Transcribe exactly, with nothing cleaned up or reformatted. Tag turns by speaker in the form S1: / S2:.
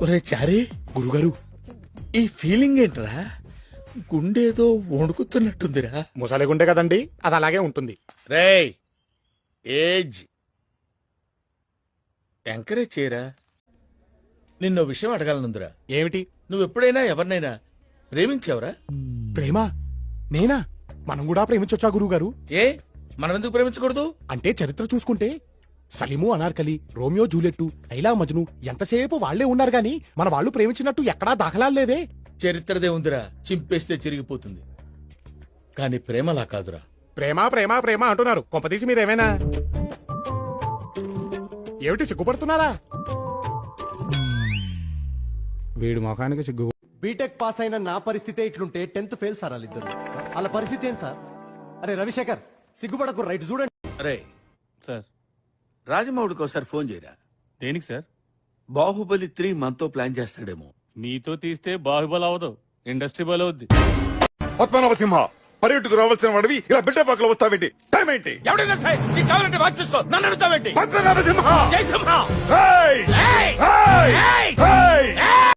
S1: ఒరే చారీ,
S2: గురుగారు
S1: ఈ ఫీలింగ్ ఏంట్రా? గుండేదో వణుకుతున్నట్టుందిరా.
S2: ముసలి గుండె కదండి, అది అలాగే ఉంటుంది.
S1: రేయ్, ఏజ్ ఎంకరేజ్ చేయరా. నిన్నో విషయం అడగాలనుందిరా.
S2: ఏమిటి?
S1: నువ్వెప్పుడైనా ఎవరినైనా ప్రేమించావురా?
S2: ప్రేమ? నేనా? మనం కూడా ప్రేమించొచ్చా గురుగారు?
S1: ఏ, మనం ఎందుకు ప్రేమించకూడదు?
S2: అంటే చరిత్ర చూసుకుంటే సలీము, అనార్కలి, రోమియో జూలియట్, లైలా మజ్ను ఎంతసేపు వాళ్లే ఉన్నారు గాని మన వాళ్ళు ప్రేమించినట్టు ఎక్కడా దాఖలాలు లేదే.
S1: చరిత్రదే ఉందిరా, చింపేస్తే చిరిగిపోతుంది. కాని ప్రేమలా కాదురా.
S2: ప్రేమ ప్రేమ ప్రేమ అంటున్నారు, కొంపదీసి మీరేమైనా ఏమిటి సిగ్గుపడుతున్నారా? వీడు మొఖానికి సిగ్గు.
S3: బీటెక్ పాస్ అయిన నా పరిస్థితే ఇట్లుంటే టెన్త్ ఫెయిల్ సార్ వాళ్ళిద్దరు. వాళ్ళ పరిస్థితి ఏం సార్? అరే రవిశేఖర్, సిగ్గుపడకు, రైట్ చూడండి.
S4: అరే
S5: సార్,
S4: రాజమౌళికి ఒకసారి ఫోన్ చేయరా.
S5: దేనికి సార్?
S4: బాహుబలి త్రీ మనతో ప్లాన్ చేస్తాడేమో.
S5: మీతో తీస్తే బాహుబలి అవదు, ఇండస్ట్రీ బలి అవుద్ది.
S6: పద్మనాభసింహ, పర్యటకు రావాల్సిన వాడివి ఇలా బిడ్డ పక్కల వస్తావేంటి? టైం ఏంటి?
S1: ఎవడైనా సరే, నీకు కావాలంటే వాచ్ చూసుకో, నన్ను అడుగుతావేంటి?
S6: పద్మనాభసింహ!
S1: జై సింహ!
S6: ఏయ్!
S1: ఏయ్!
S6: ఏయ్!
S1: ఏయ్!